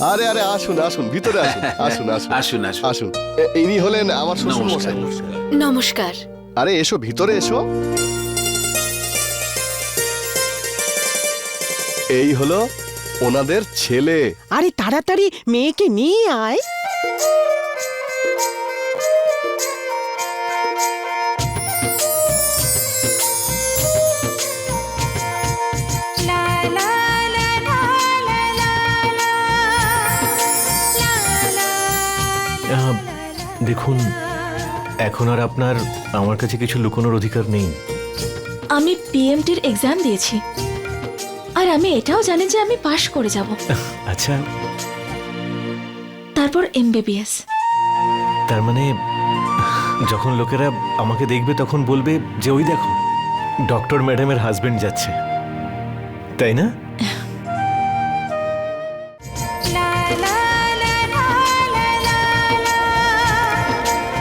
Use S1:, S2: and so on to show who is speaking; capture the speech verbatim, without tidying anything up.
S1: আরে আরে আসুন আসুন ভিতরে আসুন আসুন আসুন
S2: আসুন আসুন
S1: আসুন এ- ইনি হলেন আমার শ্বশুর
S2: নমস্কার
S1: মশাই।
S3: নমস্কার।
S1: আরে এসো ভিতরে এসো। এই হলো ওনাদের ছেলে।
S4: আরে তাড়াতাড়ি মেয়েকে নিয়ে আয়।
S5: আহ, দেখুন, এখন আর আপনার আমার কাছে কিছু লুকোনোর অধিকার নেই।
S3: আমি পিএমটির এক্সাম দিয়েছি আর আমি এটাও জানি যে আমি পাশ করে যাব,
S5: আচ্ছা,
S3: তারপর এমবিবিএস।
S5: তার মানে যখন লোকেরা আমাকে দেখবে তখন বলবে যে ওই দেখো ডক্টর ম্যাডামের হাজবেন্ড যাচ্ছে, তাই না?